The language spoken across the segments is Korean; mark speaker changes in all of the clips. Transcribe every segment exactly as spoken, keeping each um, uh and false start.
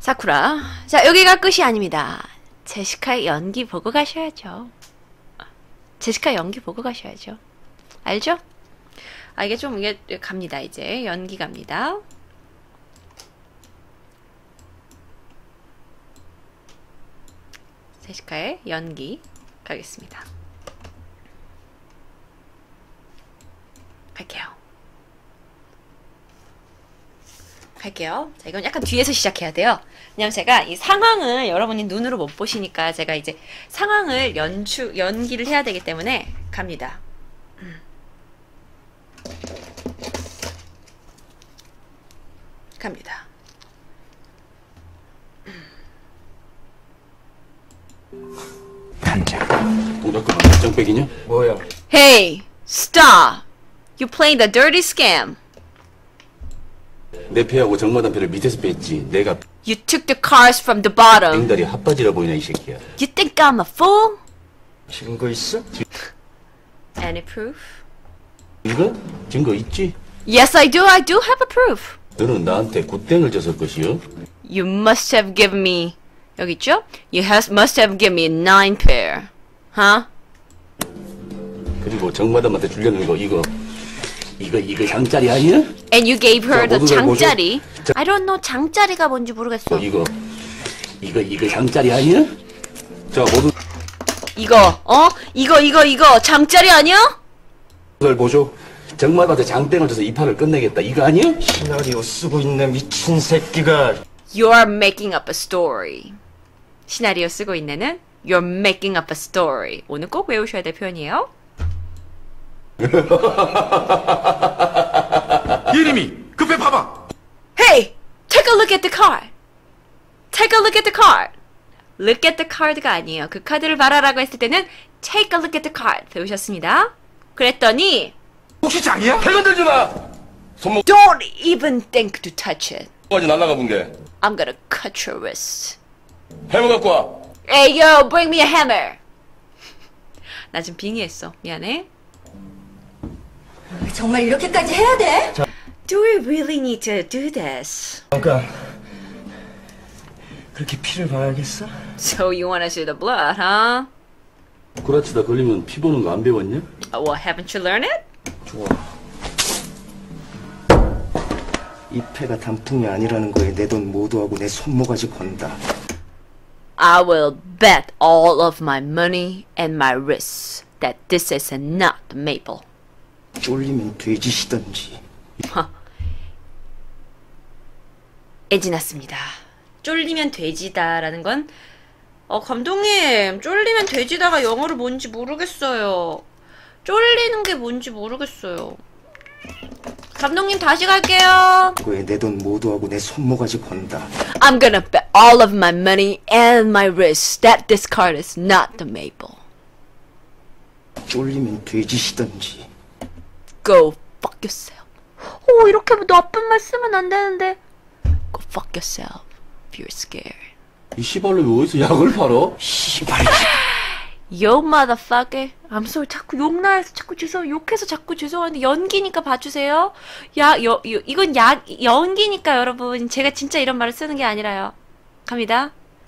Speaker 1: 사쿠라. 자, 여기가 끝이 아닙니다. 제시카의 연기 보고 가셔야죠. 제시카 연기 보고 가셔야죠. 알죠? 아, 이게 좀, 이게 갑니다, 이제. 연기 갑니다. 제시카의 연기 가겠습니다. 갈게요. 갈게요. 자, 이건 약간 뒤에서 시작해야 돼요. 왜냐면 제가 이 상황을 여러분이 눈으로 못 보시니까 제가 이제 상황을 연출, 연기를 해야 되기 때문에 갑니다. 음. 갑니다.
Speaker 2: 단장.
Speaker 3: 동작 그만. 장백이냐?
Speaker 2: 뭐야?
Speaker 1: Hey, stop! You playing the dirty scam.
Speaker 3: 내 패하고 정마담 패를 밑에서 뺐지. 내가
Speaker 1: You took the cars from the bottom.
Speaker 3: 앵달이 핫바지라 보이나 이 새끼야.
Speaker 1: You think I'm a fool?
Speaker 2: 증거 있어?
Speaker 1: Any proof?
Speaker 3: 이거? 증거 있지?
Speaker 1: Yes, I do. I do have a proof.
Speaker 3: 너는 나한테 굿땡을 줬을 것이요.
Speaker 1: You must have given me. 여기 있죠? You has, must have given me nine pair. Huh?
Speaker 3: 그리고 정마담한테 주려는 거 이거 이거 이거 장짜리 아니야?
Speaker 1: And you gave her
Speaker 3: 자,
Speaker 1: the
Speaker 3: 모두들 보죠.
Speaker 1: 장짜리.
Speaker 3: 자.
Speaker 1: I don't know 장짜리가 뭔지 모르겠어.
Speaker 3: 어, 이거 이거 이거 장짜리 아니야? 자 모두
Speaker 1: 이거 어? 이거 이거 이거 장짜리 아니야?
Speaker 3: 들 보죠. 정마담한테 장땡을 줘서 이 판을 끝내겠다. 이거 아니야?
Speaker 2: 시나리오 쓰고 있네 미친 새끼가.
Speaker 1: You are making up a story. 시나리오 쓰고 있네는 You're making up a story. 오늘 꼭 외우셔야 될 표현이에요.
Speaker 4: 예림이 급해 봐봐.
Speaker 1: Hey, take a look at the card. Take a look at the card. Look at the card가 아니에요. 그 카드를 봐라라고 했을 때는 take a look at the card 배우셨습니다. 그랬더니
Speaker 4: 혹시 장이야?
Speaker 3: 배 건들지 마. 손목
Speaker 1: Don't even think to touch it.
Speaker 3: 까지 날라가 본 게.
Speaker 1: I'm gonna cut your wrist.
Speaker 3: 해머 갖고 와.
Speaker 1: Hey yo, bring me a hammer. 나 지금 빙의했어. 미안해.
Speaker 5: 정말 이렇게까지 해야 돼?
Speaker 1: Do we really need to do this?
Speaker 2: 잠깐. 그렇게 피를 봐야겠어?
Speaker 1: So you want to see the blood, huh?
Speaker 3: 구라치다 걸리면 피 보는 거 안 배웠냐?
Speaker 1: Oh, well, haven't you learned it?
Speaker 2: 좋아. 이 패가 단풍이 아니라는 거에 내 돈 모두하고 내 손모가지 건다.
Speaker 1: I will bet all of my money and my wrists that this is not maple.
Speaker 2: 쫄리면 돼지시던지.
Speaker 1: 애지났습니다. 쫄리면 돼지다라는 건 어, 감독님, 쫄리면 돼지다가 영어로 뭔지 모르겠어요. 쫄리는 게 뭔지 모르겠어요. 감독님 다시 갈게요.
Speaker 2: 거에 내 돈 모두하고 내 손모가지 건다.
Speaker 1: I'm gonna bet all of my money and my wrists that this card is not the maple.
Speaker 2: 쫄리면 돼지시던지.
Speaker 1: Go fuck yourself. 오, 이렇게 나쁜 말 쓰면 안 되는데. Go fuck yourself if you're scared.
Speaker 3: 이 씨발로 어디서 약을 팔어?
Speaker 2: 씨발.
Speaker 1: Yo motherfucker. I'm sorry. 자꾸 욕나해서 자꾸 죄송 욕해서 자꾸 죄송한데 연기니까 봐주세요. 야, 여, 여, 이건 약 연기니까 여러분. 제가 진짜 이런 말을 쓰는 게 아니라요. 갑니다.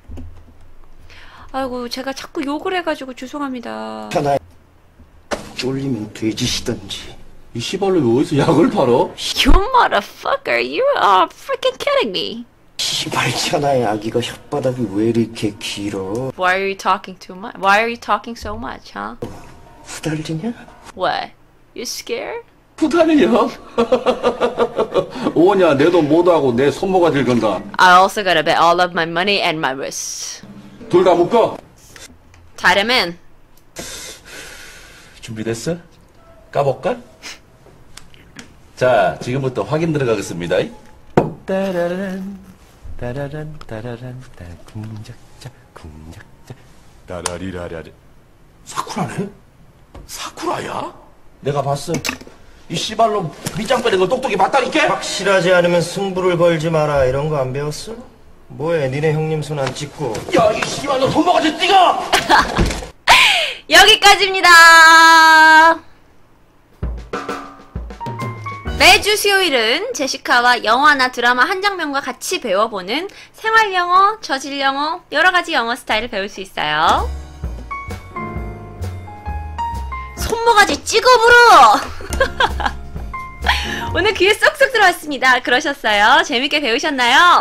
Speaker 1: 아이고 제가 자꾸 욕을 해가지고 죄송합니다.
Speaker 2: 편하. 쫄리면 돼지시던지.
Speaker 3: 이 씨발로 어디서 약을 팔어?
Speaker 1: You motherfucker. You are freaking kidding me.
Speaker 2: 씨발 천하의 아기가 혓바닥이 왜 이렇게 길어?
Speaker 1: Why are you talking too much? Why are you talking so much, huh?
Speaker 2: 후달리냐?
Speaker 1: What? You scared?
Speaker 3: 후달려? 오냐 내 돈 모두하고 내 손모가지를 건다.
Speaker 1: I also gotta bet all of my money and my wrists.
Speaker 3: 둘 다 묶어.
Speaker 1: 자려면
Speaker 3: 준비됐어? 까볼까? 자 지금부터 확인 들어가겠습니다.
Speaker 6: 따라란 따라란 따라란 따 궁작자 궁작자 따라리라라리.
Speaker 4: 사쿠라네? 사쿠라야?
Speaker 3: 내가 봤어. 이 씨발로 밑장 빼는 걸 똑똑히 봤다니까?
Speaker 2: 확실하지 않으면 승부를 걸지 마라. 이런 거 안 배웠어? 뭐해 니네 형님 손 안 찍고.
Speaker 3: 야 이 씨발로 손모가지 찍어!
Speaker 1: 여기까지입니다. 매주 수요일은 제시카와 영화나 드라마 한 장면과 같이 배워보는 생활영어, 저질영어, 여러가지 영어 스타일을 배울 수 있어요. 손모가지 찍어 불어! 오늘 귀에 쏙쏙 들어왔습니다. 그러셨어요? 재밌게 배우셨나요?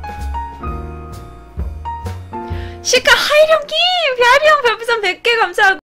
Speaker 1: 시카 하이령님! 별이형 별풍선 백 개 감사하고